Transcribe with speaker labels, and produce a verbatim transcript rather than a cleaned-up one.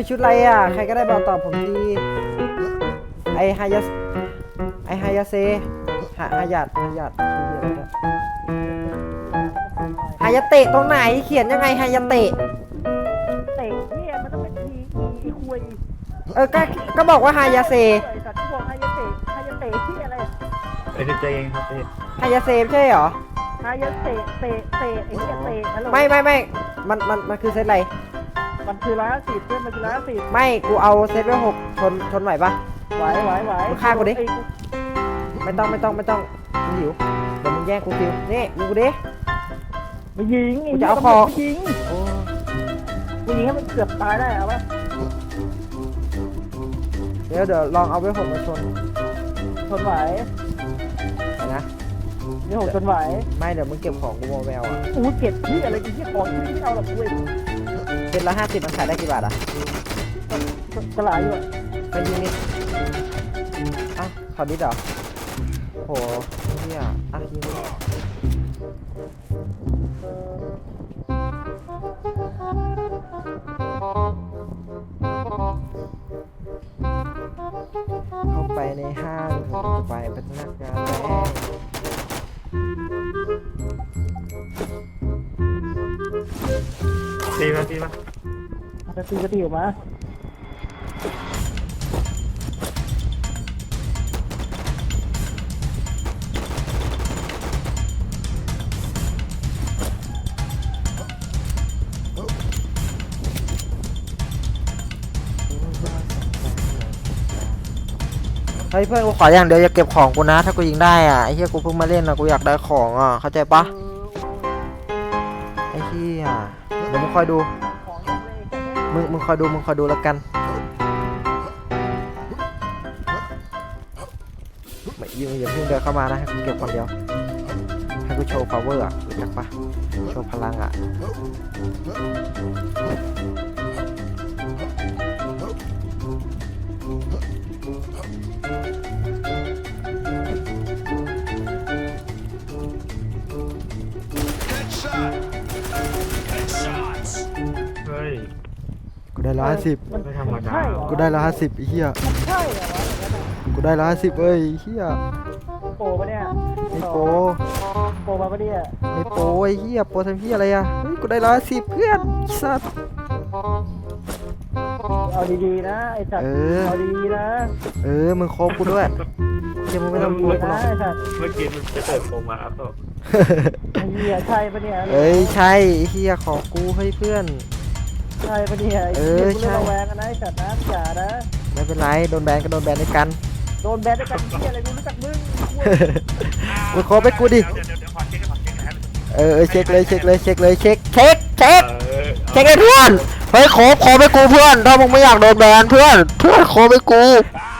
Speaker 1: ชุดอะไรอ่ะใครก็ได้บอกตอบผมทีไอฮายาไอฮายาเซฮาฮายาดฮายาดชื่ออะไรเนี่ยฮายาเตะตรงไหนเขียนยังไงฮายาเตะ
Speaker 2: เตะเนี่ยมันต้องเป็นทีอีคุย
Speaker 1: เออก็ก็บอกว่าฮายาเซ
Speaker 2: สัตว์ที่บอกฮายาเตะฮายาเตะที่อะไร
Speaker 3: เอ้ยเจงครับเอ้ย
Speaker 1: ฮายาเซใช่เหรอ
Speaker 2: ฮายาเตะเตะเตะไอ้เนี่ยเตะฮัลโหล
Speaker 1: ไม่ไม่ไม่มันมันมันคือเซตอะไร
Speaker 2: มันคือร้อยสิบเพื่อนมันคือร้อยสิบ
Speaker 1: ไม่กูเอาเซตไว้หกชนชนไหวปะ
Speaker 2: ไหวไหวไหว
Speaker 1: มึงฆ่ากูดิไม่ต้องไม่ต้องไม่ต้องกูหิวเดี๋ยวมึงแย่งกูคิวนี่มึงกูดิ
Speaker 2: มายิง
Speaker 1: กูจะเอาคอ
Speaker 2: ยิงกูยิงให้มันเกือบตายได้เอาปะ
Speaker 1: เดี๋ยวเดี๋ยวลองเอาไว้หกมาชน
Speaker 2: ชนไหว
Speaker 1: นะ
Speaker 2: นี่หกชนไหว
Speaker 1: ไม่เดี๋ยวมึงเก็บของกูโมแววอ่ะ
Speaker 2: อู้เก็บที่อะไรที่ของที่เอาหรอกกูเอง
Speaker 1: เจ็ดละห้าสิบมันขายได้กี่บาทอ่ะ
Speaker 2: กระไรอยู่
Speaker 1: ไปยิงนี่อ่ะขอดิดเหรอโหเนี่ยอ่ะยิงเข้าไปในห้างผมจะไปเป็นนักงานแรง
Speaker 3: ตีมาตีมา
Speaker 2: จะตีก็ตีออกมา
Speaker 1: เฮ้ยเพื่อนกูขออย่างเดียวอย่าเก็บของกูนะถ้ากูยิงได้อ่ะไอ้เหี้ยกูเพิ่งมาเล่นนะกูอยากได้ของอ่ะเข้าใจปะไอ้เหี้ยเดี๋ยวมึงคอยดูมึงมึงคอยดูมึงคอยดูแล้วกันไม่ยิงอย่าเพิ่งเดินเข้ามานะให้กูเก็บคนเดียวให้กูโชว์ power อ่ะรู้จักปะโชว์พลังอ่ะ
Speaker 3: เฮ้ย
Speaker 1: กูได้ร้อยห้าสิบ
Speaker 3: ไม่ธรรมดา
Speaker 1: กูได้ร้อยห้าสิบไอ้เหี้ย
Speaker 2: ใช่เหรอ
Speaker 1: กูได้ร้อยห้าสิบเอ้ยเหี้ย
Speaker 2: โปปะเนี่ย
Speaker 1: ไม่โป
Speaker 2: โปมาปะเนี่ย
Speaker 1: ไม่โปไอ้เหี้ยโปทำเหี้ยอะไรอ่ะเฮ้ยกูได้ร้อยห้าสิบเพื่อนสัตว์
Speaker 2: เอาดีๆนะไอ้สัตว์เอาดีๆนะ
Speaker 1: เออมึงโคบกูด้วยเดี๋ยวมึงไม่ต้องกลัวกูหรอก
Speaker 3: เมื่อกี้มันจะเปิดโปรมาอัพต่อ
Speaker 2: เฮียใช่ปะเนี่ย
Speaker 1: เอ้ยใช่เฮียขอกูให้เพื่อน
Speaker 2: ใช่ปะเนี่ยเออใช่แวงกันนะไอ้สัตว์นะอย่านะ
Speaker 1: ไม่เป็นไรโดนแบนก็โดนแบนด้วยกัน
Speaker 2: โดนแบนด้วยกันเฮียอะไรกูรู้จักมึง
Speaker 1: มึงขอไปกูดิเออเช็คเลยเช็คเลยเช็คเลยเช็คเช็คเช็คเช็คเลยเพื่อนเฮ้ยขอขอไปกูเพื่อนถ้ามึงไม่อยากโดนแบนเพื่อนเพื่อนขอไปกู